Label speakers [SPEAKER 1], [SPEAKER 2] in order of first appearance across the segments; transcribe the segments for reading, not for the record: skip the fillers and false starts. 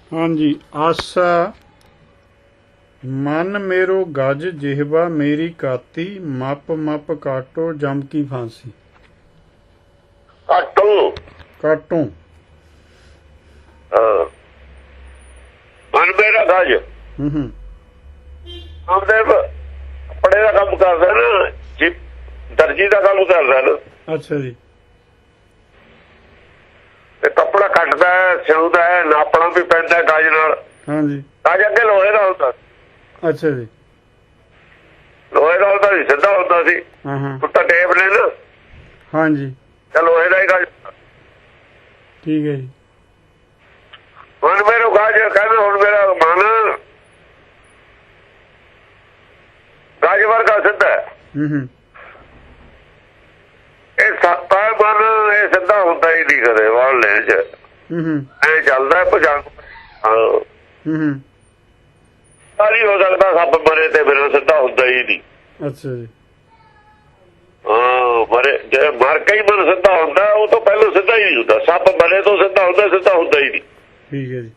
[SPEAKER 1] हाँ जी। आसा मन मेरो गज जिहवा मेरी काती मप मप काटो जम की फांसी।
[SPEAKER 2] काटो
[SPEAKER 1] काटो।
[SPEAKER 2] मन मेरा गज
[SPEAKER 1] हम्म
[SPEAKER 2] ਆਪਦੇ ਕੱਪੜੇ ਦਾ ਕੰਮ ਕਰਦਾ ਨਾ ਜੀ, ਦਰਜੀ ਦਾ ਕੰਮ ਕਰਦਾ ਨਾ।
[SPEAKER 1] अच्छा जी।
[SPEAKER 2] ਤੇ ਕੱਪੜਾ ਕੱਟਦਾ ਹੈ, ਸਿਉਂਦਾ ਹੈ, ਨਾਪਣਾ ਵੀ ਪੈਂਦਾ ਗਜ ਨਾਲ।
[SPEAKER 1] हाँ जी।
[SPEAKER 2] ਗਜ ਅੱਗੇ ਲੋਹੇ ਦਾ ਹੁੰਦਾ,
[SPEAKER 1] अच्छा जी।
[SPEAKER 2] ਲੋਹੇ ਦਾ ਹੁੰਦਾ ਸੀ, ਸਿੱਧਾ ਹੁੰਦਾ ਸੀ।
[SPEAKER 1] हाँ हाँ
[SPEAKER 2] ਉੱਤਾ ਟੇਪ ਨੇ ਨਾ,
[SPEAKER 1] हाँ जी।
[SPEAKER 2] ਤੇ ਲੋਹੇ ਦਾ ਹੀ ਗਜ।
[SPEAKER 1] ठीक है जी।
[SPEAKER 2] ਹੁਣ ਮੇਰੇ ਗਜ ਕਹਿੰਦਾ, ਹੁਣ ਮੇਰਾ ਮਨ ਗਜ ਵਰਗਾ ਸਿੱਧਾ ਹੈ।
[SPEAKER 1] हम्म
[SPEAKER 2] ਇਹ ਸੱਤਾ ਮਨ, ਇਹ ਸਿੱਧਾ ਹੁੰਦਾ ਹੀ ਨਹੀਂ ਕਦੇ ਵਾਲ ਲੈਣ ਚ।
[SPEAKER 1] हम्म
[SPEAKER 2] ਐ ਚੱਲਦਾ ਭਜਨ।
[SPEAKER 1] हम्म
[SPEAKER 2] ਸਾਰੀ ਹੋ ਸਕਦਾ ਸੱਪ ਮਰੇ ਤੇ ਬਿਨਾਂ ਸਿੱਧਾ ਹੁੰਦਾ ਹੀ ਨਹੀਂ।
[SPEAKER 1] अच्छा जी।
[SPEAKER 2] ਮਰੇ ਜੇ ਮਰ ਕੇ ਹੀ ਮਨ ਸਿੱਧਾ ਹੁੰਦਾ, ਉਹ ਤੋਂ ਪਹਿਲਾਂ ਸਿੱਧਾ ਹੀ ਨਹੀਂ ਹੁੰਦਾ। ਸੱਪ ਮਰੇ ਤੋਂ ਸਿੱਧਾ ਹੁੰਦਾ, ਸਿੱਧਾ ਹੁੰਦਾ ਹੀ ਨਹੀਂ।
[SPEAKER 1] ठीक है जी।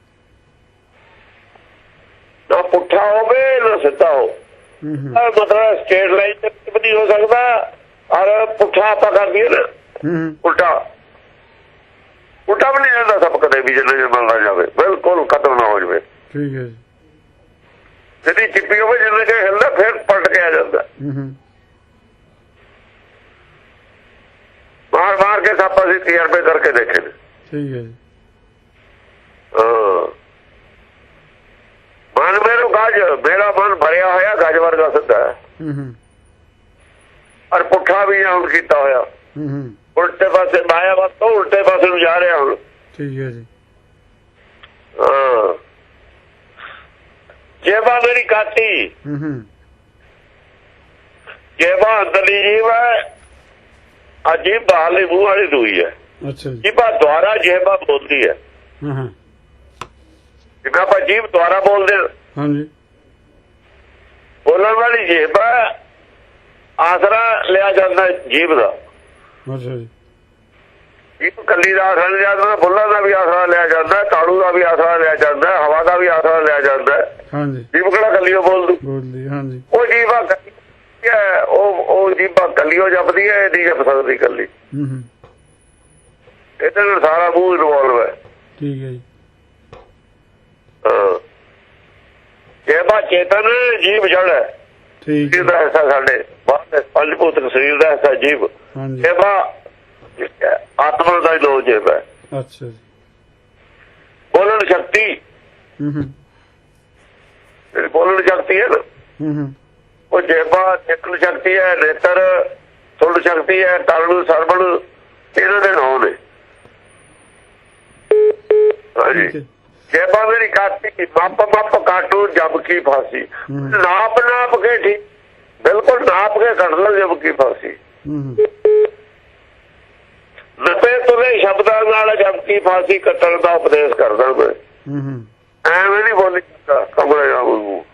[SPEAKER 2] ਨਾ ਪੁੱਠਾ ਹੋਵੇ ਨਾ ਸਿੱਧਾ ਹੋ। ਮਤਲਬ ਸਟੇਟ ਲਾਈਨ ਤੇ ਵੀ ਨਹੀਂ ਹੋ ਸਕਦਾ, ਔਰ ਪੁੱਠਾ ਆਪਾਂ ਕਰ ਦਈਏ ਨਾ, ਉਲਟਾ ਵੀ ਨਹੀਂ ਜਾਂਦਾ ਸਭ ਕਦੇ ਵੀ, ਜਿੰਨਾ ਮਿਲਦਾ ਜਾਵੇ ਬਿਲਕੁਲ ਖਤਮ ਨਾ ਹੋ ਜਾਵੇ।
[SPEAKER 1] ठीक है जी।
[SPEAKER 2] ਜਿਹੜੀ ਚਿੱਪੀ ਹੋਵੇ ਜਿੰਨੇ ਕੇ ਹਿੱਲਦਾ ਫਿਰ ਪਲਟ ਕੇ ਆ ਜਾਂਦਾ। ਮਾਰ ਮਾਰ ਕੇ ਸੱਪ ਅਸੀਂ ਤਜਰਬੇ ਕਰਕੇ ਦੇਖੇ ਨੇ।
[SPEAKER 1] ठीक है जी।
[SPEAKER 2] ਮਨ ਮੇਰਾ ਗਜ, ਮੇਰਾ ਮਨ ਭਰਿਆ ਹੋਇਆ ਗਜ ਵਰਗਾ ਸਿੱਧਾ ਹੈ, ਔਰ ਪੁੱਠਾ ਵੀ ਹੁਣ ਕੀਤਾ ਹੋਇਆ। ਉਲਟੇ ਪਾਸੇ ਮਾਇਆ ਵੱਲ ਤੋਂ ਉਲਟੇ ਪਾਸੇ ਨੂੰ ਜਾ ਰਿਹਾ ਹੁਣ।
[SPEAKER 1] ठीक है जी।
[SPEAKER 2] ਜੇਬਾ ਮੇਰੀ ਕਾਤੀ, ਜੇਬਾ ਅੰਦਰਲੀ ਜੀਵ ਹੈ, ਅਜੀਬ ਬਾਹਰਲੀ ਮੂੰਹ ਵਾਲੀ ਦੂਈ ਹੈ।
[SPEAKER 1] अच्छा जी।
[SPEAKER 2] ਜੀਬਾ ਦੁਆਰਾ ਜੇਬਾ ਬੋਲਦੀ ਹੈ। ਜਿਵੇਂ ਆਪਾਂ ਜੀਭ ਦੁਆਰਾ ਬੋਲਦੇ ਹਾਂ,
[SPEAKER 1] हाँ जी।
[SPEAKER 2] ਬੋਲਣ ਵਾਲੀ ਜੀਭ ਆਸਰਾ ਲਿਆ ਜਾਂਦਾ ਜੀਭ ਦਾ।
[SPEAKER 1] अच्छा जी।
[SPEAKER 2] ਜੀਭ ਕੱਲੀ ਦਾ ਆਸਰਾ ਲਿਆ ਜਾਂਦਾ, ਫੁੱਲਾਂ ਦਾ ਵੀ ਆਸਰਾ ਲਿਆ ਜਾਂਦਾ, ਤਾੜੂ ਦਾ ਵੀ ਆਸਰਾ ਲਿਆ ਜਾਂਦਾ, ਹਵਾ ਦਾ ਵੀ ਆਸਰਾ ਲਿਆ ਜਾਂਦਾ।
[SPEAKER 1] हाँ जी।
[SPEAKER 2] ਜੀਭ ਕਿਹੜਾ ਕੱਲੀ ਬੋਲ ਦੂ?
[SPEAKER 1] बोल दी। हाँ जी।
[SPEAKER 2] ਉਹ ਜੀਭਾ ਉਹ ਜੀਭਾ ਕੱਲੀਓ ਜਪਦੀ ਹੈ, ਇਹ ਨਹੀਂ ਜਪ ਸਕਦੀ ਕੱਲੀ। ਇਹਦੇ ਨਾਲ ਸਾਰਾ ਮੂੰਹ ਇਨਵੋਲਵ ਹੈ।
[SPEAKER 1] ठीक है जी।
[SPEAKER 2] ਜੇਬਾ ਚੇਤਨ, ਜੀਭ ਜੜ ਹੈ।
[SPEAKER 1] ठीक
[SPEAKER 2] ਜੀਭ ਦਾ ਹਿੱਸਾ ਸਾਡੇ ਬਾਹਰ ਪੰਜ ਭੂਤਕ ਸਰੀਰ ਦਾ ਹਿੱਸਾ ਜੀਭ।
[SPEAKER 1] हाँ जी।
[SPEAKER 2] ਜੇਬਾ ਆਤਮਾ ਦਾ ਲੋ ਜੇਬ ਹੈ।
[SPEAKER 1] अच्छा जी।
[SPEAKER 2] ਬੋਲਣ ਸ਼ਕਤੀ, ਬੋਲਣ ਸ਼ਕਤੀ ਹੈ ਨਾ, ਉਹ ਜੇਬਾ ਦੇਖਣ ਸ਼ਕਤੀ ਹੈ, ਨੇਤਰ ਸੁਣ ਸ਼ਕਤੀ ਹੈ, ਤਰਨ ਸਰਵਣ, ਇਹਨਾਂ ਦੇ ਨਾਮ ਨੇ। ਹਾਂਜੀ। ਜੇਬਾ ਮੇਰੀ ਕਾਤੀ ਮੱਪ ਮੱਪ ਕਾਟੂ ਜਬ ਕੀ ਫਾਂਸੀ। ਨਾਪ ਨਾਪ ਕੇ ਠੀਕ, ਬਿਲਕੁਲ ਨਾਪ ਕੇ ਕੱਢ ਲਓ ਜਬ ਕੀ ਫਾਂਸੀ। ਨਪੇ ਤੁਲੇ ਸ਼ਬਦਾਂ ਨਾਲ ਜਬ ਕੀ ਫਾਂਸੀ ਕੱਟਣ ਦਾ ਉਪਦੇਸ਼ ਕਰਦਾ ਮੈਂ। ਐਵੇਂ ਨਹੀਂ ਬੋਲੀ ਕਮਰੇ ਜਾਊ।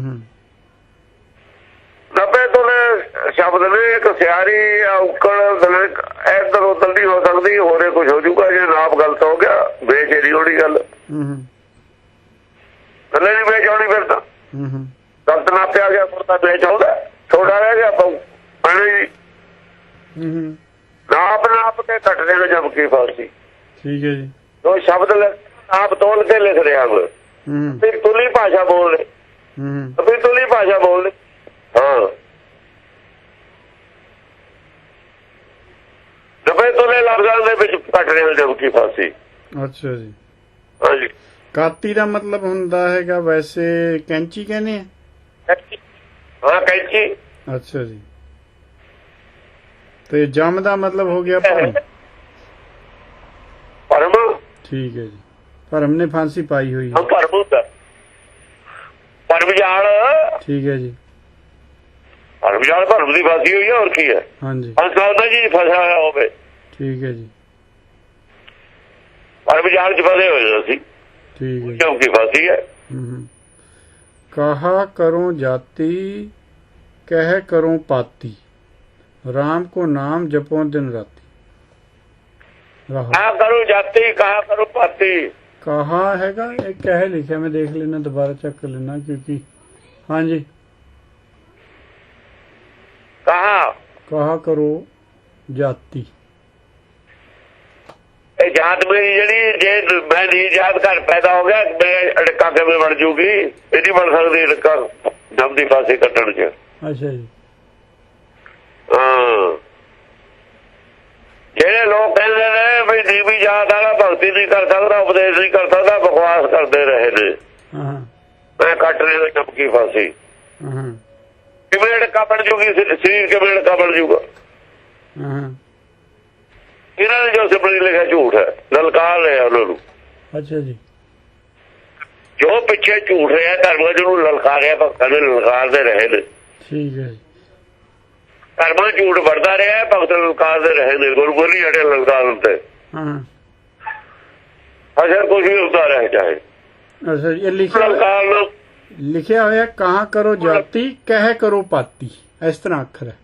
[SPEAKER 2] ਨਪੇ ਤੁਲੇ ਸ਼ਬਦ ਨੇ, ਇੱਕ ਸਿਆਰੀ ਔਕੜ ਇੱਧਰ ਉੱਧਰ ਨਹੀਂ ਹੋ ਸਕਦੀ, ਹੋਰੇ ਕੁਝ ਹੋ ਜੂਗਾ। ਜੇ ਨਾਪ ਗਲਤ ਹੋ ਗਿਆ, ਬੇਚੈਨੀ ਹੋਣੀ ਗੱਲ। ਥੱਲੇ ਨਹੀਂ ਵੇਚ ਆਉਣੀ, ਫਿਰ ਤਾਂ ਗਲਤ ਨਾਪਿਆ ਗਿਆ, ਫਿਰ ਤਾਂ ਵੇਚ ਆਉਂਦਾ, ਛੋਟਾ ਰਹਿ ਗਿਆ ਪਾਣੀ। ਨਾਪ ਨਾਪ ਕੇ ਕੱਟਦੇ ਨੇ ਜਬ ਕੀ ਫਾਂਸੀ।
[SPEAKER 1] ठीक है जी।
[SPEAKER 2] ਉਹ ਸ਼ਬਦ ਨਾਪ ਤੋਲ ਕੇ ਲਿਖ ਰਿਹਾ ਮੈਂ। ਫਿਰ ਤੁਲੀ ਭਾਸ਼ਾ ਬੋਲ ਰਹੇ, ਫਿਰ ਤੁਲੀ ਭਾਸ਼ਾ ਬੋਲ ਰਹੇ। ਹਾਂ, ਨਵੇਂ ਤੁਲੇ ਲਫ਼ਜ਼ਾਂ ਦੇ ਵਿੱਚ ਕੱਟ ਰਹੇ ਨੇ ਜਬ ਕੀ ਫਾਂਸੀ।
[SPEAKER 1] अच्छा जी।
[SPEAKER 2] ਹਾਂਜੀ।
[SPEAKER 1] ਕਾਤੀ ਦਾ ਮਤਲਬ ਹੁੰਦਾ ਹੈਗਾ ਵੈਸੇ ਕੈਂਚੀ ਕਹਿੰਦੇ ਆ।
[SPEAKER 2] ਹਾਂ, ਕੈਂਚੀ।
[SPEAKER 1] ਅੱਛਾ ਜੀ। ਤੇ ਜਮ ਦਾ ਮਤਲਬ ਹੋ ਗਿਆ ਭਰਮ।
[SPEAKER 2] ਭਰਮ।
[SPEAKER 1] ਠੀਕ ਹੈ ਜੀ। ਭਰਮ ਨੇ ਫਾਂਸੀ ਪਾਈ ਹੋਈ
[SPEAKER 2] ਹੈ। ਭਰਮ ਹੁੰਦਾ, ਭਰਮ ਜਾਲ।
[SPEAKER 1] ਠੀਕ ਹੈ ਜੀ।
[SPEAKER 2] ਭਰਮ ਜਾਲ, ਭਰਮ ਦੀ ਫਾਂਸੀ ਹੋਈ ਹੈ, ਹੋਰ ਕੀ ਹੈ।
[SPEAKER 1] ਹਾਂਜੀ।
[SPEAKER 2] ਫਸਾ ਜੀ ਫਸਿਆ ਹੋਇਆ ਹੋਵੇ।
[SPEAKER 1] ਠੀਕ ਹੈ ਜੀ।
[SPEAKER 2] ਭਰਮ ਜਾਲ ਚ ਫਸੇ ਹੋਏ ਅਸੀਂ।
[SPEAKER 1] ठीक है।
[SPEAKER 2] क्योंकि फांसी है।
[SPEAKER 1] कहा करो जाति कह करो पाती राम को नाम जपो दिन राती।
[SPEAKER 2] कहा करो जाति कहा करो पाती
[SPEAKER 1] ਕਹਾ ਹੈਗਾ ਇਹ ਕਹਿ ਲਿਖਿਆ, ਮੈਂ ਦੇਖ ਲੈਣਾ ਦੁਬਾਰਾ ਚੈੱਕ ਲੈਣਾ ਕਿਉਂਕਿ ਹਾਂਜੀ ਕਹਾ ਕਰੋ ਜਾਤੀ।
[SPEAKER 2] ਇਹ ਜਾਤ ਮੇਰੀ ਜਿਹੜੀ ਜੇ ਮੈਂ ਨਹੀਂ ਜਾਤ ਘਰ ਪੈਦਾ ਹੋ ਗਿਆ ਮੇਰੇ ਅੜਕਾ ਕਿਵੇਂ ਬਣ ਜੂਗੀ? ਇਹ ਨਹੀਂ ਬਣ ਸਕਦੀ ਅੜਕਾ ਦਮ ਦੀ ਫਾਂਸੀ ਕੱਟਣ ਚ।
[SPEAKER 1] ਅੱਛਾ ਜੀ।
[SPEAKER 2] ਹਾਂ ਜਿਹੜੇ ਲੋਕ ਕਹਿੰਦੇ ਨੇ ਵੀ ਨੀਵੀਂ ਜਾਤ ਵਾਲਾ ਭਗਤੀ ਨਹੀਂ ਕਰ ਸਕਦਾ, ਉਪਦੇਸ਼ ਨਹੀਂ ਕਰ ਸਕਦਾ, ਬਕਵਾਸ ਕਰਦੇ ਰਹੇ ਨੇ। ਮੈਂ ਕੱਟ ਰਿਹਾ ਚਮਕੀ ਫਾਂਸੀ। ਕਿਵੇਂ ਅੜਕਾ ਬਣ ਜੂਗੀ? ਸਰੀਰ ਕਿਵੇਂ ਅੜਕਾ ਬਣ ਜੂਗਾ? ਇਹਨਾਂ ਨੇ ਜੋ ਸਿਮਰਨੀ ਲਿਖਿਆ ਝੂਠ ਹੈ, ਲਲਕਾਰ ਰਿਹਾ ਉਹਨਾਂ ਨੂੰ।
[SPEAKER 1] ਅੱਛਾ ਜੀ।
[SPEAKER 2] ਜੋ ਪਿੱਛੇ ਝੂਠ ਰਿਹਾ ਧਰਮਾਂ ਜਿਹਨੂੰ ਲਲਕਾਰਿਆ ਭਗਤਾਂ ਨੇ ਲਲਕਾਰਦੇ ਰਹੇ ਨੇ।
[SPEAKER 1] ਠੀਕ ਹੈ ਜੀ।
[SPEAKER 2] ਧਰਮਾਂ ਝੂਠ ਵਰਦਾ ਰਿਹਾ, ਭਗਤ ਲਲਕਾਰਦੇ ਰਹੇ ਨੇ। ਗੁਰੂ ਬੋਲੀ ਹਟੇ ਲਲਕਾਰ ਤੇ ਅਸਰ ਕੁਝ ਵੀ ਹੁੰਦਾ ਰਹੇ ਚਾਹੇ।
[SPEAKER 1] ਅੱਛਾ ਜੀ। ਇਹ ਲਿਖਿਆ ਹੋਇਆ ਕਹਾ ਕਰੋ ਜਾਤੀ ਕਹਿ ਕਰੋ ਪਾਤੀ, ਇਸ ਤਰ੍ਹਾਂ ਅੱਖਰ ਹੈ।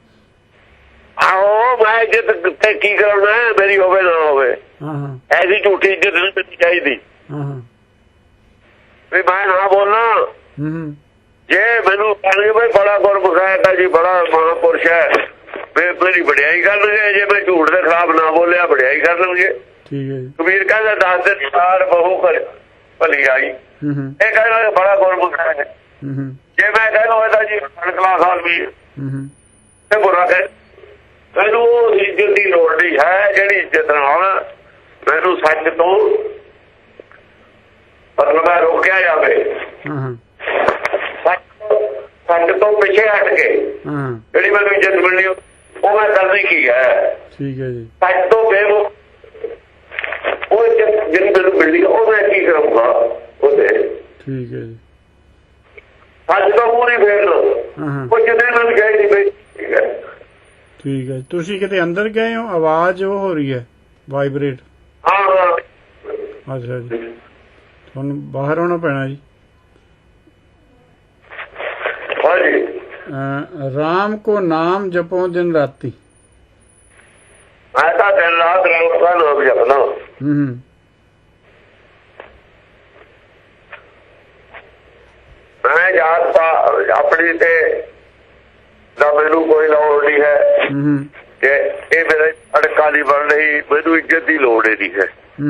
[SPEAKER 2] ਆਹੋ ਮੈਂ ਇੱਜ਼ਤ ਤੇ ਕੀ ਕਰਾਉਣਾ, ਮੇਰੀ ਹੋਵੇ ਨਾ ਹੋਵੇ। ਐਸੀ ਝੂਠੀ ਇੱਜ਼ਤ ਨਹੀਂ ਮਿਲਣੀ ਚਾਹੀਦੀ ਵੀ ਮੈਂ ਨਾ ਬੋਲਾਂ। ਜੇ ਮੈਨੂੰ ਕਹਿੰਦੇ ਬਈ ਬੜਾ ਗੁਰਮੁਖ ਹੈ ਜੀ, ਬੜਾ ਮਹਾਂਪੁਰਸ਼ ਹੈ, ਮੇਰੀ ਵਡਿਆਈ ਕਰਨਗੇ। ਜੇ ਮੈਂ ਝੂਠ ਦੇ ਖਿਲਾਫ ਨਾ ਬੋਲਿਆ ਵਡਿਆਈ ਕਰ ਲਵਾਂਗੇ। ਕਬੀਰ ਕਹਿੰਦਾ 10 ਦਿਨ ਸਾਰ ਬਹੂ ਭਲੀ ਆਈ। ਇਹ ਕਹਿੰਦਾ ਬੜਾ ਗੁਰਮੁਖ ਹੈ। ਜੇ ਮੈਂ ਕਹਿੰਦਾ ਇਹਦਾ ਜੀ ਕਲਾਸ ਆਦਮੀ ਤੇ ਬੁਰਾ ਕਹੇ, ਮੈਨੂੰ ਉਹ ਇੱਜ਼ਤ ਦੀ ਲੋੜ ਨਹੀਂ ਹੈ ਜਿਹੜੀ ਇੱਜ਼ਤ ਨਾਲ ਮੈਨੂੰ ਸੱਚ ਤੋਂ ਮਤਲਬ ਰੋਕਿਆ ਜਾਵੇ। ਸੱਚ ਤੋਂ ਪਿੱਛੇ ਹਟ ਕੇ ਜਿਹੜੀ ਮੈਨੂੰ ਇੱਜ਼ਤ ਮਿਲਣੀ ਉਹ ਮੈਂ ਕਰਨੀ ਕੀ ਹੈ? ਠੀਕ ਹੈ ਜੀ। ਸੱਚ ਤੋਂ ਬੇਮੁਖ ਉਹ ਇੱਜ਼ਤ ਜਿਹੜੀ ਮੈਨੂੰ ਮਿਲਣੀ ਉਹ ਮੈਂ ਕੀ ਕਰੂੰਗਾ ਉਹਦੇ? ਠੀਕ ਹੈ ਜੀ। ਸੱਚ ਤੋਂ ਪੂਰੀ ਫੇਰ ਲੋ ਉਹ ਜਿੰਨੇ ਮੈਨੂੰ ਗਏ ਨਹੀਂ ਬਈ। ਠੀਕ ਹੈ
[SPEAKER 1] ਠੀਕ ਹੈ। ਤੁਸੀਂ ਕਿਤੇ ਅੰਦਰ ਗਏ ਹੋ? ਆਵਾਜ਼ ਉਹ ਹੋ ਰਹੀ ਹੈ ਵਾਈਬ੍ਰੇਟ। ਅੱਛਾ ਜੀ। ਤੁਹਾਨੂੰ ਬਾਹਰ ਆਉਣਾ ਪੈਣਾ ਜੀ। राम को नाम जपो दिन राती।
[SPEAKER 2] मैं तो दिन रात राम का नाम जपना। मैं जात अपनी ते मैनू कोई लोड़ नहीं है कि ये मेरे अड़का नहीं बन रही, मैनू इज्जत की लोड़ ही नहीं है।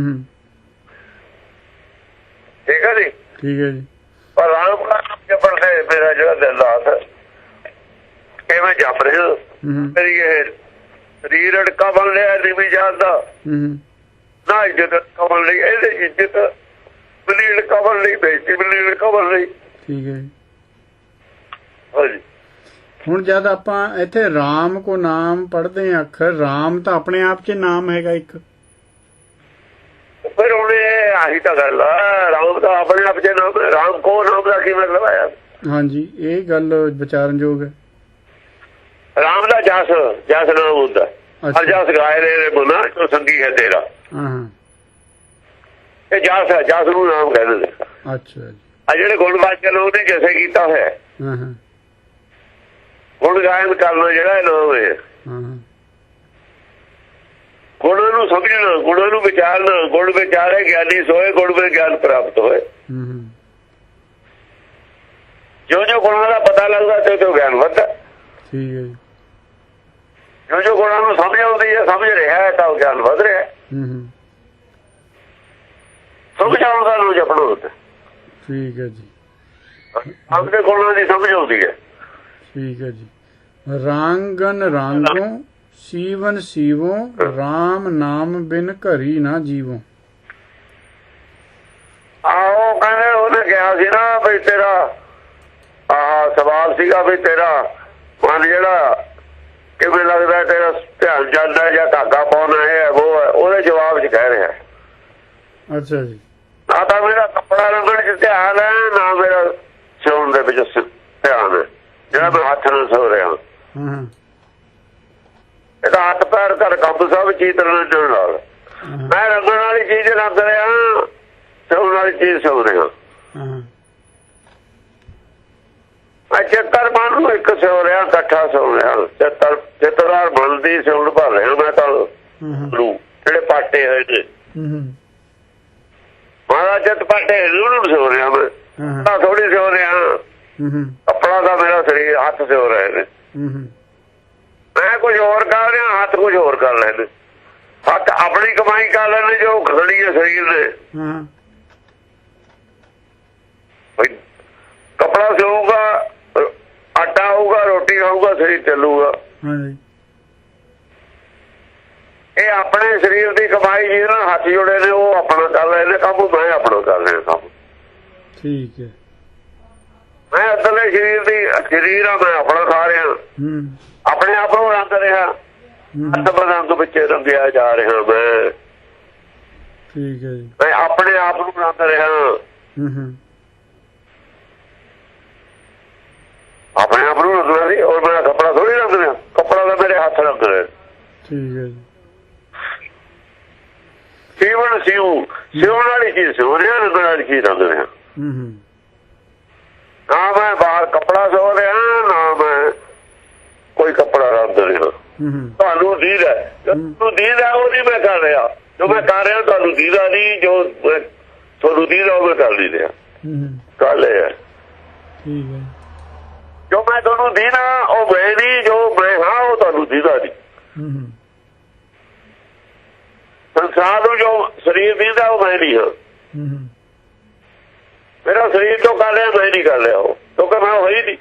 [SPEAKER 2] ठीक है जी।
[SPEAKER 1] ठीक है जी।
[SPEAKER 2] पर राम का नाम जपण से मेरा जो दिल रात कि मैं जप रहा मेरी ये शरीर अड़का बन रहा नीवी जात का ना इज्जत अड़का बन रही। इज्जत मिली अड़का बन रही, बेइज्जती मिली अड़का बन रही।
[SPEAKER 1] ठीक है।
[SPEAKER 2] हाँ जी।
[SPEAKER 1] ਹੁਣ ਜਦ ਆਪਾਂ ਇੱਥੇ ਰਾਮ ਕੋ ਨਾਮ ਪੜ੍ਹਦੇ ਹਾਂ ਅੱਖਰ, ਰਾਮ ਤਾਂ ਆਪਣੇ ਆਪ 'ਚ ਨਾਮ ਹੈਗਾ ਇੱਕ।
[SPEAKER 2] ਫਿਰ ਹੁਣ ਇਹ ਆਹੀ ਤਾਂ ਗੱਲ ਆ, ਰਾਮ ਤਾਂ ਆਪਣੇ ਆਪ 'ਚ ਨਾਮ। ਰਾਮ ਕੋ ਨਾਮ ਦਾ ਕੀ ਮਤਲਬ ਆਇਆ? ਹਾਂਜੀ
[SPEAKER 1] ਇਹ ਗੱਲ ਵਿਚਾਰਨਯੋਗ ਹੈ।
[SPEAKER 2] ਰਾਮ ਦਾ ਜਸ ਨਾਮ ਹੁੰਦਾ। ਹਰ ਜਸ ਗਾਏ ਨੇ ਬੁਨਾ ਜੋ ਸੰਗੀ ਹੈ ਤੇਰਾ। ਇਹ ਜਸ ਹੈ, ਜਸ ਨੂੰ ਨਾਮ ਕਹਿੰਦੇ ਨੇ।
[SPEAKER 1] ਅੱਛਾ ਜੀ।
[SPEAKER 2] ਆ ਜਿਹੜੇ ਗੁਣਵਾਚਕ ਲੋਕ ਨੇ ਜਸੇ ਕੀਤਾ ਹੋਇਆ ਗੁਣ ਗਾਇਨ ਕਰਨਾ ਜਿਹੜਾ ਨਾਮ ਹੈ। ਗੁਣਾਂ ਨੂੰ ਸਮਝਣਾ, ਗੁਣਾਂ ਨੂੰ ਵਿਚਾਰਨਾ। ਗੁਣ ਵਿਚਾਰੇ ਗਿਆਨੀ ਸੋਏ, ਗੁਣ ਵਿੱਚ ਗਿਆਨ ਪ੍ਰਾਪਤ ਹੋਏ। ਜੋ ਜੋ ਗੁਣਾਂ ਦਾ ਪਤਾ ਲੱਗਦਾ ਤੇ ਉਹ ਗਿਆਨ ਵੱਧਦਾ।
[SPEAKER 1] ਠੀਕ ਹੈ ਜੀ।
[SPEAKER 2] ਜੋ ਜੋ ਗੁਣਾਂ ਨੂੰ ਸਮਝ ਆਉਂਦੀ ਹੈ, ਸਮਝ ਰਿਹਾ ਹੈ ਤਾਂ ਗਿਆਨ ਵੱਧ ਰਿਹਾ। ਸਮਝ ਆਉਣ ਦਾ ਨੂੰ ਜਪਣਾ ਹੁੰਦਾ।
[SPEAKER 1] ਠੀਕ ਹੈ ਜੀ।
[SPEAKER 2] ਆਪਣੇ ਗੁਣਾਂ ਦੀ ਸਮਝ ਆਉਂਦੀ ਹੈ। ਠੀਕ
[SPEAKER 1] ਹੈ ਜੀ। ਰਾਂਗਨ ਰਾਂਗੋ ਸੀਵਨ ਸੀਵੋ, ਰਾਮ ਨਾਮ ਬਿਨ ਘਰੀ ਨਾ ਜੀਵੋ।
[SPEAKER 2] ਆਹੋ ਕਹਿੰਦੇ ਉਹਨੇ ਕਿਹਾ ਸੀ ਨਾ ਵੀ ਤੇਰਾ ਆਹ ਸਵਾਲ ਸੀਗਾ ਵੀ ਤੇਰਾ ਮਨ ਜਿਹੜਾ ਕਿਵੇਂ ਲੱਗਦਾ, ਤੇਰਾ ਧਿਆਨ ਜਾਂਦਾ ਜਾਂ ਧਾਗਾ ਪਾਉਣਾ ਹੈ ਉਹ ਹੈ। ਉਹਦੇ ਜਵਾਬ 'ਚ ਕਹਿ ਰਿਹਾ।
[SPEAKER 1] ਅੱਛਾ ਜੀ।
[SPEAKER 2] ਨਾ ਤਾਂ ਮੇਰਾ ਕੱਪੜਾ ਰੰਗਣ 'ਚ ਧਿਆਨ ਹੈ, ਨਾ ਮੇਰਾ ਸਿਉਣ ਦੇ ਵਿੱਚ ਧਿਆਨ ਹੈ ਜਿਹੜਾ ਮੈਂ ਹੱਥ ਨਾਲ ਸੋ ਰਿਹਾ। ਇਹਦਾ ਹੱਥ ਪੈਰ ਘਰ ਕੰਮ ਸਭ ਚੀਜ਼ ਰੰਗਣ ਨਾਲ। ਮੈਂ ਰੰਗਣ ਵਾਲੀ ਚੀਜ਼ ਰੰਗ ਰਿਹਾ, ਸਿਉਣ ਵਾਲੀ ਚੀਜ਼ ਸਿਉ ਰਿਹਾ। ਮੈਂ ਚਿੱਤਰ ਮਨ ਨੂੰ ਇੱਕ ਸਿਉ ਰਿਹਾ, ਇਕੱਠਾ ਸਿਉ ਰਿਹਾ। ਚਿੱਤਰਦਾਰ ਮਨ ਦੀ ਸਿਉਣ ਭਰ ਰਿਹਾ ਮੈਂ ਤਾਂ ਜਿਹੜੇ ਪਾਟੇ ਹੋਏ ਨੇ। ਕੱਪੜਾ ਦਾ ਮੇਰਾ ਸਰੀਰ ਹੱਥ ਤੇ ਹੋ ਰਹੇ ਨੇ, ਮੈਂ ਕੁਝ ਹੋਰ ਕਰ ਰਿਹਾ, ਹੱਥ ਕੁਝ ਹੋਰ ਕਰ ਰਹੇ ਨੇ। ਹੱਥ ਆਪਣੀ ਕਮਾਈ ਕਰ ਲੈਣੇ ਜੋ ਖੜੀ ਹੈ ਸਰੀਰ ਨੇ। ਕੱਪੜਾ ਸਿਊਗਾ, ਆਟਾ ਆਊਗਾ, ਰੋਟੀ ਖਾਊਗਾ, ਸਰੀਰ ਚੱਲੂਗਾ। ਇਹ ਆਪਣੇ ਸਰੀਰ ਦੀ ਕਮਾਈ ਜਿਹਦੇ ਨਾਲ ਹੱਥ ਜੁੜੇ ਨੇ ਉਹ ਆਪਣਾ ਕਰ ਰਹੇ ਨੇ ਕੰਮ, ਮੈਂ ਆਪਣਾ ਕਰ ਰਿਹਾ ਕੰਮ। ਠੀਕ ਹੈ, ਮੈਂ ਅੰਦਰਲੇ ਸਰੀਰ ਆ, ਮੈਂ ਆਪਣਾ ਖਾ ਰਿਹਾ, ਆਪਣੇ ਆਪ ਨੂੰ ਰੰਗ ਰਿਹਾ, ਰੰਗ ਵਿੱਚ ਰੰਗਿਆ ਜਾ ਰਿਹਾ ਮੈਂ। ਠੀਕ ਹੈ ਜੀ, ਮੈਂ ਆਪਣੇ ਆਪ ਨੂੰ ਰੰਗ ਰਿਹਾ, ਆਪਣੇ ਆਪ ਨੂੰ ਰੰਗਣਾ ਸੀ। ਔਰ ਮੇਰਾ ਕੱਪੜਾ ਥੋੜੀ ਰੰਗ ਰਿਹਾ, ਕੱਪੜਾ ਤਾਂ ਮੇਰੇ ਹੱਥ ਰੰਗ ਰਿਹਾ। ਠੀਕ ਹੈ ਜੀ, ਸੀਵਣ ਸਿਉਣ ਵਾਲੀ ਚੀਜ਼ ਸਿਉ ਰਿਹਾ, ਰੰਗਣ ਵਾਲੀ ਚੀਜ਼ ਰੰਗ ਰਿਹਾ। ਨਾ ਮੈਂ ਬਾਹਰ ਕੱਪੜਾ ਸਿਉ ਰਿਹਾ, ਨਾ ਮੈਂ ਕੋਈ ਕੱਪੜਾ ਰੰਗ ਰਿਹਾ। ਤੁਹਾਨੂੰ ਦੀਦ ਹੈ, ਤੁਹਾਨੂੰ ਦੀਦ ਹੈ ਉਹ ਨਹੀਂ ਮੈਂ ਕਰ ਰਿਹਾ, ਜੋ ਮੈਂ ਕਰ ਰਿਹਾ ਤੁਹਾਨੂੰ ਦੀਦਾ ਨਹੀਂ, ਜੋ ਤੁਹਾਨੂੰ ਦੀਦ ਉਹ ਮੈਂ ਕਰ ਨਹੀਂ ਰਿਹਾ। ਗੱਲ ਇਹ ਹੈ, ਜੋ ਮੈਂ ਤੁਹਾਨੂੰ ਦੀਦਾ ਉਹ ਮੈਂ ਨਹੀਂ, ਜੋ ਮੈਂ ਹਾਂ ਉਹ ਤੁਹਾਨੂੰ ਦੀਦਾ ਨਹੀਂ। ਸੰਸਾਰ ਨੂੰ ਜੋ ਸਰੀਰ ਦੀਦਾ ਉਹ ਮੈਂ ਨਹੀਂ ਹਾਂ। ਮੇਰਾ ਸਰੀਰ ਤੋਂ ਕਰ ਰਿਹਾ, ਮੈਂ ਨਹੀਂ ਕਰ ਰਿਹਾ ਉਹ, ਕਿਉਂਕਿ ਮੈਂ ਹੋਈ ਨਹੀਂ।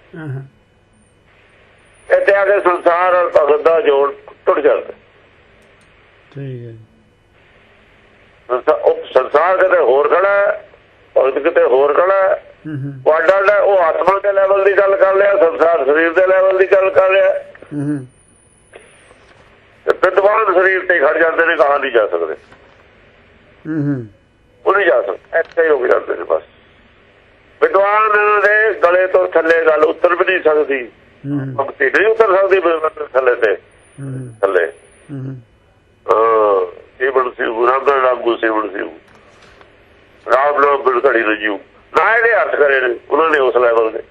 [SPEAKER 2] ਇੱਥੇ ਆ ਕੇ ਸੰਸਾਰ ਔਰ ਭਗਤ ਦਾ ਜੋੜ ਟੁੱਟ ਜਾਂਦਾ। ਠੀਕ ਹੈ, ਸੰਸਾਰ ਕਿਤੇ ਹੋਰ ਖੜਾ ਹੈ, ਭਗਤ ਕਿਤੇ ਹੋਰ ਖੜਾ ਹੈ। ਉਹ ਆਤਮਾ ਦੇ ਲੈਵਲ ਦੀ ਗੱਲ ਕਰ ਲਿਆ, ਸੰਸਾਰ ਸਰੀਰ ਦੇ ਲੈਵਲ ਦੀ ਗੱਲ ਕਰ ਰਿਹਾ। ਵਿਦਵਾਨ ਸਰੀਰ ਤੇ ਖੜ ਜਾਂਦੇ ਨੇ, ਕਹਾਂ ਨਹੀਂ ਜਾ ਸਕਦੇ, ਉਹ ਨਹੀਂ ਜਾ ਸਕਦੇ, ਇੱਥੇ ਹੀ ਰੁਕ ਜਾਂਦੇ ਨੇ ਬਸ। ਵਿਦਵਾਨ ਦੇ ਗਲੇ ਤੋਂ ਥੱਲੇ ਗੱਲ ਉਤਰ ਵੀ ਨਹੀਂ ਸਕਦੀ, ਭਗਤੀ ਨਹੀਂ ਉਤਰ ਸਕਦੀ ਥੱਲੇ ਤੇ ਥੱਲੇ। ਸਿਵਣ ਸਿਉ ਰਾਮਗੜ ਰਾਮਗੂ ਸਿਵਣ ਸਿਉ ਰਾਮ ਨਾਮ ਬਿਨ ਘੜੀ ਰਜੀਉ, ਨਾ ਇਹਦੇ ਅਰਥ ਕਰੇ ਨੇ ਉਹਨਾਂ ਨੇ ਉਸ ਲੈਵਲ ਦੇ।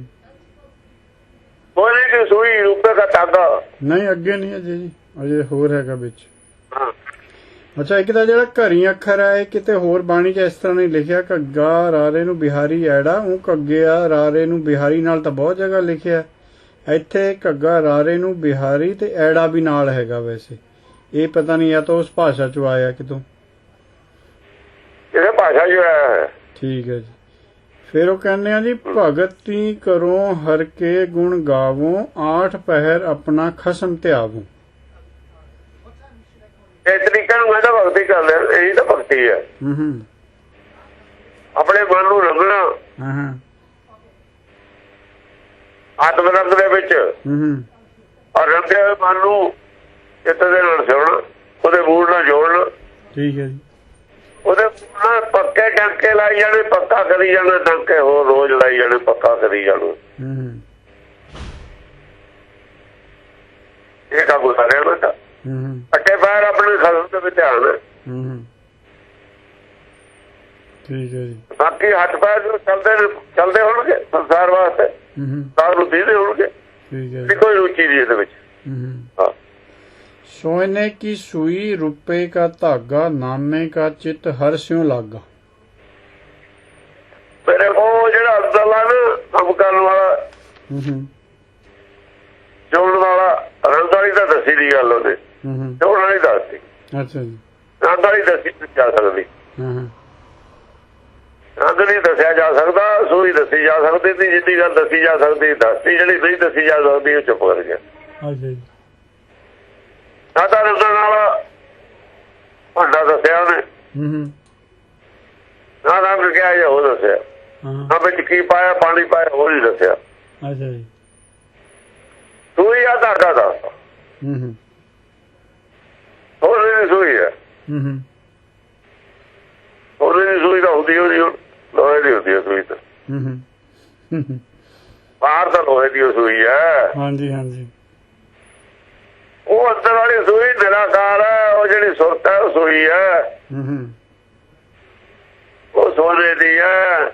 [SPEAKER 2] ਬੋਲੇ ਕਿ ਸੂਈ ਰੂਪੇ ਦਾ ਧਾਗਾ
[SPEAKER 1] ਨਹੀਂ, ਅੱਗੇ ਨਹੀਂ ਅਜੇ ਜੀ, ਅਜੇ ਹੋਰ ਹੈਗਾ ਵਿੱਚ। ਅੱਛਾ, ਇੱਕ ਤਾਂ ਜਿਹੜਾ ਘਰੀ ਅੱਖਰ ਹੈ, ਕਿਤੇ ਹੋਰ ਬਾਣੀ ਚ ਇਸ ਤਰ੍ਹਾਂ ਨਹੀਂ ਲਿਖਿਆ ਘੱਗਾ ਰਾਰੇ ਨੂੰ ਬਿਹਾਰੀ ਐੜਾ, ਉਹ ਘੱਗੇ ਆ ਰਾਰੇ ਨੂੰ ਬਿਹਾਰੀ ਨਾਲ ਤਾਂ ਬਹੁਤ ਜਗ੍ਹਾ ਲਿਖਿਆ, ਇੱਥੇ ਘੱਗਾ ਰਾਰੇ ਨੂੰ ਬਿਹਾਰੀ ਤੇ ਐੜਾ ਵੀ ਨਾਲ ਹੈਗਾ। ਵੈਸੇ ਇਹ ਪਤਾ ਨਹੀਂ ਜਾਂ ਤਾਂ ਉਸ ਭਾਸ਼ਾ ਚੋਂ ਆਇਆ ਕਿਤੋਂ,
[SPEAKER 2] ਇਹ ਭਾਸ਼ਾ ਜੋ ਹੈ। ਠੀਕ ਹੈ
[SPEAKER 1] ਜੀ, ਫਿਰ ਉਹ ਕਹਿੰਦੇ ਆ ਜੀ ਭਗਤੀ ਕਰੋ ਹਰ ਕੇ ਗੁਣ ਗਾਵੋ, 8 ਪਹਿਰ ਆਪਣਾ ਖਸਮ ਧਿਆਵੋ।
[SPEAKER 2] ਇਸ ਤਰੀਕੇ ਨੂੰ ਕਹਿੰਦਾ ਭਗਤੀ ਕਰ ਲਿਆ, ਇਹੀ ਤਾਂ ਭਗਤੀ ਹੈ। ਆਪਣੇ ਮਨ ਨੂੰ ਰੰਗਣਾ ਆਤਮ ਰੰਗ ਦੇ ਵਿੱਚ, ਔਰ ਰੰਗੇ ਹੋਏ ਮਨ ਨੂੰ ਚਿੱਤ ਦੇ ਨਾਲ ਸਿਉਣਾ, ਉਹਦੇ ਮੂਲ ਨਾਲ ਜੋੜਨਾ। ਠੀਕ ਹੈ ਜੀ, ਉਹਦੇ ਨਾਲ ਪੱਕੇ ਟਾਂਕੇ ਲਾਈ ਜਾਣੇ, ਪੱਕਾ ਕਰੀ ਜਾਣਾ, ਟਾਂਕੇ ਹੋਰ ਰੋਜ਼ ਲਾਈ ਜਾਣੇ, ਪੱਕਾ ਕਰੀ ਜਾਣਾ। ਇਹ ਕੰਮ ਸਾਰਿਆਂ ਦਾ ਅੱਟੇ ਪੈਰ ਆਪਣੇ ਖਸਮ ਦੇ ਵਿੱਚ ਧਿਆਨ। ਠੀਕ ਹੈ ਜੀ, ਬਾਕੀ ਹੱਥ ਪੈਰ ਚੱਲਦੇ ਹੋਣਗੇ ਸੰਸਾਰ ਵਾਸਤੇ, ਸਾਰ ਨੂੰ ਦੀਦੇ ਹੋਣਗੇ। ਠੀਕ ਹੈ, ਕੋਈ ਰੁਚੀ ਨਹੀਂ ਇਹਦੇ ਵਿੱਚ।
[SPEAKER 1] सोने की सुई रुपए का धागा, नामे का चित हर स्यों लागा।
[SPEAKER 2] मेरे को ਜਿਹੜਾ ਅੰਦਰਲਾ ਨਾ ਕੰਮ ਕਰਨ ਵਾਲਾ, ਜੋੜਨ ਵਾਲਾ, ਰੰਗ ਵਾਲੀ ਤਾਂ ਦੱਸੀ ਦੀ ਗੱਲ ਉਹਦੇ, ਜੋੜਨ ਵਾਲੀ ਦੱਸਦੀ। ਅੱਛਾ ਜੀ, ਰੰਗ ਵਾਲੀ ਦੱਸੀ ਜਾ ਸਕਦੀ, ਰੰਗ ਨਹੀਂ ਦੱਸਿਆ ਜਾ ਸਕਦਾ, ਸੂਈ ਦੱਸੀ ਜਾ ਸਕਦੀ ਸੀ, ਜਿੱਦੀ ਗੱਲ ਦੱਸੀ ਜਾ ਸਕਦੀ ਦੱਸਦੀ, ਜਿਹੜੀ ਨਹੀਂ ਦੱਸੀ ਜਾ ਸਕਦੀ ਉਹ ਚੁੱਪ ਕਰ ਗਿਆ। ਅੱਛਾ ਜੀ, ਸਾਡਾ ਰੰਗਾਂ ਨਾਲ ਭਾਂਡਾ ਦੱਸਿਆ ਉਹਨੇ, ਨਾ ਰੰਗ ਕਿਹਾ ਜਾਂ ਉਹ ਦੱਸਿਆ, ਨਾ ਵਿੱਚ ਕੀ ਪਾਇਆ, ਪਾਣੀ ਪਾਇਆ, ਉਹ ਨਹੀਂ ਦੱਸਿਆ। ਅੱਛਾ ਜੀ, ਸੂਈ ਆ ਧਾਗਾ ਦਾ, ਉਹਨੇ ਦੀ ਸੂਈ ਹੈ, ਉਹਨੇ ਦੀ ਸੂਈ ਤਾਂ ਹੁੰਦੀ ਉਹਦੀ ਲੋਹੇ ਦੀ ਹੁੰਦੀ ਹੈ ਸੂਈ ਤਾਂ, ਬਾਹਰ ਤਾਂ ਲੋਹੇ ਦੀ ਸੂਈ ਹੈ। ਹਾਂਜੀ ਹਾਂਜੀ, ਉਹ ਅੰਦਰ ਵਾਲੀ ਸੂਈ ਨਿਰਾਕਾਰ ਹੈ, ਉਹ ਜਿਹੜੀ ਸੁਰਤ ਹੈ ਉਹ ਸੂਈ ਹੈ, ਉਹ ਸੋਨੇ ਦੀ ਹੈ,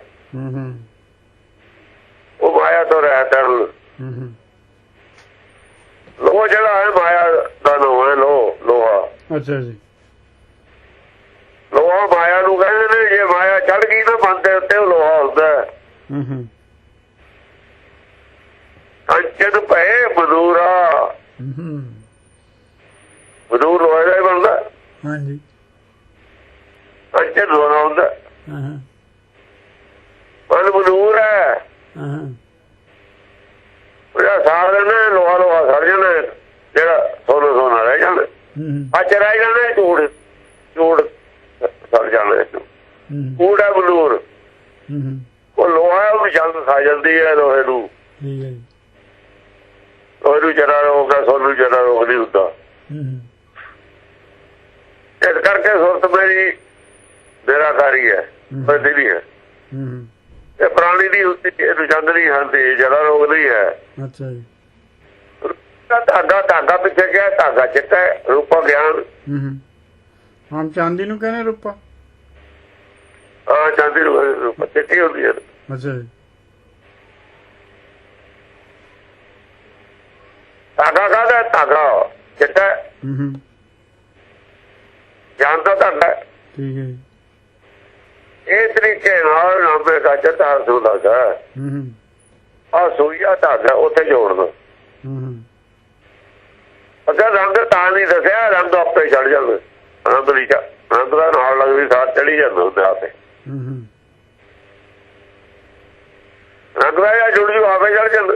[SPEAKER 2] ਉਹ ਮਾਇਆ ਤੋਂ ਰਹਿਤ ਹੈ। ਲੋਹਾ ਜਿਹੜਾ ਹੈ ਮਾਇਆ ਦਾ ਨਾਮ ਹੈ, ਲੋਹਾ। ਅੱਛਾ ਜੀ, ਲੋਹਾ ਮਾਇਆ ਨੂੰ ਕਹਿੰਦੇ ਨੇ, ਜੇ ਮਾਇਆ ਚੜ ਗਈ ਨਾ ਮਨ ਦੇ ਉੱਤੇ ਉਹ ਲੋਹਾ ਹੁੰਦਾ। ਮਨੂਰ ਲੋਹੇ ਦਾ ਹੀ ਬਣਦਾ।
[SPEAKER 1] ਹਾਂਜੀ
[SPEAKER 2] ਅੰਚੇ ਲੋਹਾ ਹੁੰਦਾ।
[SPEAKER 1] ਹਾਂ
[SPEAKER 2] ਮਨ ਮਨੂਰ ਹੈ।
[SPEAKER 1] ਹਾਂ
[SPEAKER 2] ਉਹਦਾ ਸਾਰ ਨੇ ਲੋਹਾ ਲੋਹਾ ਸੜ ਜਾਣਾ, ਜਿਹੜਾ ਸੋਨਾ ਰਹਿ ਜਾਣਾ। ਅੱਜ ਰਹਿ ਜਾਣਾ ਝੂੜ ਝੂੜ ਸੜ ਜਾਣਾ। ਕੂੜ ਹੈ ਮਨੂਰ, ਉਹ ਲੋਹਾ ਉਹਨੂੰ ਜਲਦ ਖਾ ਜਾਂਦੀ ਹੈ। ਲੋਹੇ ਨੂੰ ਲੋਹੇ ਨੂੰ ਜਰਾ ਰੋਗ ਹੈ, ਸੋਨੂੰ ਜਰਾ ਰੋਗ ਨਹੀਂ ਹੁੰਦਾ। ਇਸ ਕਰਕੇ ਸੁਰਤ ਮੇਰੀ ਨਿਰਾਕਾਰੀ ਹੈ, ਬੰਦੀ ਨਹੀਂ ਹੈ। ਇਹ ਪ੍ਰਾਣੀ ਦੀ ਹੁੰਦੀ, ਇਹਨੂੰ ਚੰਦ ਨਹੀਂ ਖਾਂਦੀ, ਜਰਾ ਰੋਗ ਨਹੀਂ ਹੈ।
[SPEAKER 1] ਅੱਛਾ ਜੀ।
[SPEAKER 2] ਧਾਗਾ ਪਿੱਛੇ ਗਿਆ, ਧਾਗਾ ਚਿੱਟਾ ਹੈ, ਰੂਪਾ ਗਿਆਨ।
[SPEAKER 1] ਆਮ ਚਾਂਦੀ ਨੂੰ ਕਹਿੰਦੇ ਰੂਪਾ।
[SPEAKER 2] ਹਾਂ ਚਾਂਦੀ ਨੂੰ ਰੂਪਾ ਚਿੱਟੀ ਹੁੰਦੀ ਹੈ।
[SPEAKER 1] ਅੱਛਾ ਜੀ।
[SPEAKER 2] ਧਾਗਾ ਕਾਹਦਾ? ਧਾਗਾ ਚਿੱਟਾ ਗਿਆਨ ਦਾ ਧਾਗਾ।
[SPEAKER 1] ਠੀਕ ਹੈ ਜੀ।
[SPEAKER 2] ਇਹ ਤਰੀਕੇ ਨਾਲ ਨਾਮੇ ਦਾ ਚਿੱਟਾ ਸੁਦਾ ਆ ਸੂਈਆ ਧਾਗਾ ਉੱਥੇ ਜੋੜ ਦੋ। ਅਗਰ ਰੰਗ ਤਾਂ ਨਹੀਂ ਦੱਸਿਆ, ਰੰਗ ਆਪੇ ਚੜ ਜਾਂਦਾ। ਰੰਗ ਨਹੀਂ ਰੰਗ ਦਾ ਨਾਲ ਲੱਗਦੀ ਸਾਰ ਚੜੀ ਜਾਂਦਾ ਹੁੰਦਾ ਆਪੇ। ਰੰਗ ਦਾ ਜਾਂ ਜੁੜ ਜੂ ਆਪੇ ਚੜ ਜਾਂਦਾ।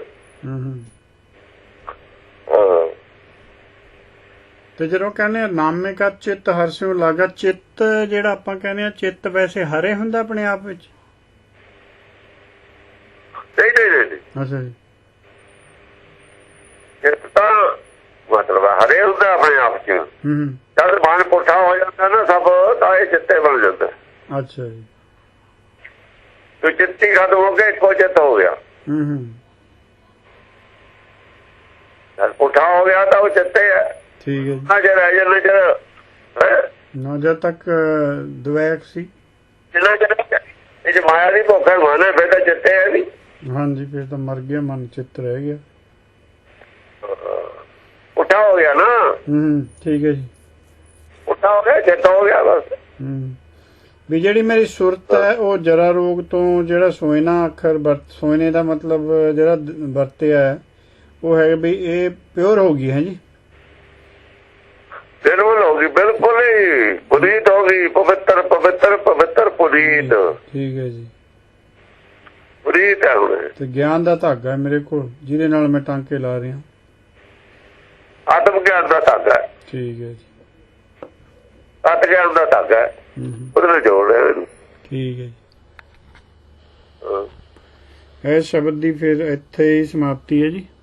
[SPEAKER 1] ਤੇ ਜਦੋਂ ਕਹਿੰਦੇ ਨਾਮੇ ਕਾ ਚਿੱਤ ਹਰਸਿਓ ਲਾਗਾ, ਚਿੱਤ ਜਿਹੜਾ ਆਪਾਂ ਕਹਿੰਦੇ ਆ ਚਿੱਤ ਵੈਸੇ ਹਰੇ ਹੁੰਦਾ ਆਪਣੇ ਆਪ ਵਿੱਚ?
[SPEAKER 2] ਨਹੀਂ।
[SPEAKER 1] ਅੱਛਾ ਜੀ।
[SPEAKER 2] ਚਿੱਤ ਤਾਂ ਮਤਲਬ ਹਰੇ ਹੁੰਦਾ ਆਪਣੇ ਆਪ ਚ। ਜਦ ਮਨ ਪੁੱਠਾ ਹੋ ਜਾਂਦਾ ਨਾ ਸਭ, ਤਾਂ ਇਹ ਚਿੱਤੇ ਬਣ ਜਾਂਦਾ।
[SPEAKER 1] ਅੱਛਾ ਜੀ।
[SPEAKER 2] ਤੇ ਚਿੱਤੀ ਖਤਮ ਹੋ ਕੇ ਇੱਕੋ ਚਿੱਤ ਹੋ ਗਿਆ। ਜਦ ਪੁੱਠਾ ਹੋ ਗਿਆ ਤਾਂ ਉਹ ਚਿੱਤੇ ਹੈ।
[SPEAKER 1] ਠੀਕ ਹੈ ਜੀ।
[SPEAKER 2] ਨਾ ਚਿਰ ਜਨ ਚਿਰ
[SPEAKER 1] ਨਾ ਜਦ ਤੱਕ ਦੁਆਇਕ ਸੀ,
[SPEAKER 2] ਜਿੰਨਾ ਚਿਰ ਇਹ ਚ ਮਾਇਆ ਦੀ ਭੁੱਖ ਹੈ, ਮਨ ਹੈ, ਫਿਰ ਤਾਂ ਚਿੱਤੇ ਹੈ ਨਹੀਂ।
[SPEAKER 1] ਹਾਂਜੀ ਫਿਰ ਤਾਂ ਮਰ ਗਿਆ ਮਨ, ਚਿੱਤ ਰਹਿ ਗਿਆ।
[SPEAKER 2] ਪੁੱਠਾ ਹੋ ਗਿਆ ਨਾ।
[SPEAKER 1] ਠੀਕ ਹੈ ਜੀ।
[SPEAKER 2] ਪੁੱਠਾ ਹੋ ਗਿਆ, ਚਿੱਤ ਹੋ ਗਿਆ ਬਸ।
[SPEAKER 1] ਵੀ ਜਿਹੜੀ ਮੇਰੀ ਸੁਰਤ ਹੈ ਉਹ ਜਰਾ ਰੋਗ ਤੋਂ ਜਿਹੜਾ ਸੋਇਨਾ ਅੱਖਰ ਸੋਇਨੇ ਦਾ ਮਤਲਬ ਜਿਹੜਾ ਵਰਤਿਆ ਹੈ ਉਹ ਹੈ ਵੀ ਇਹ ਪਿਓਰ ਹੋ ਗਈ ਹੈ ਜੀ।
[SPEAKER 2] ਬਿਲਕੁਲ ਹੋ ਗਈ, ਬਿਲਕੁਲ ਹੀ ਪੁਨੀਤ ਹੋ ਗਈ। ਪਵਿੱਤਰ ਪਵਿੱਤਰ ਪਵਿੱਤਰ ਪੁਨੀਤ।
[SPEAKER 1] ਠੀਕ ਹੈ ਜੀ।
[SPEAKER 2] ਪੁਨੀਤ ਹੈ ਹੁਣ।
[SPEAKER 1] ਤੇ ਗਿਆਨ ਦਾ ਧਾਗਾ ਹੈ ਮੇਰੇ ਕੋਲ, ਜਿਹਦੇ ਨਾਲ ਮੈਂ ਟਾਂਕੇ ਲਾ ਰਿਹਾ।
[SPEAKER 2] ਆਤਮ ਗਿਆਨ ਦਾ ਧਾਗਾ।
[SPEAKER 1] ਠੀਕ ਹੈ ਜੀ।
[SPEAKER 2] ਆਤਮ ਗਿਆਨ ਦਾ ਧਾਗਾ ਉਹਦੇ ਨਾਲ ਜੋੜ ਰਿਹਾ ਇਹਨੂੰ।
[SPEAKER 1] ਠੀਕ ਹੈ ਜੀ। ਇਹ ਸ਼ਬਦ ਦੀ ਫਿਰ ਇੱਥੇ ਹੀ ਸਮਾਪਤੀ ਹੈ ਜੀ।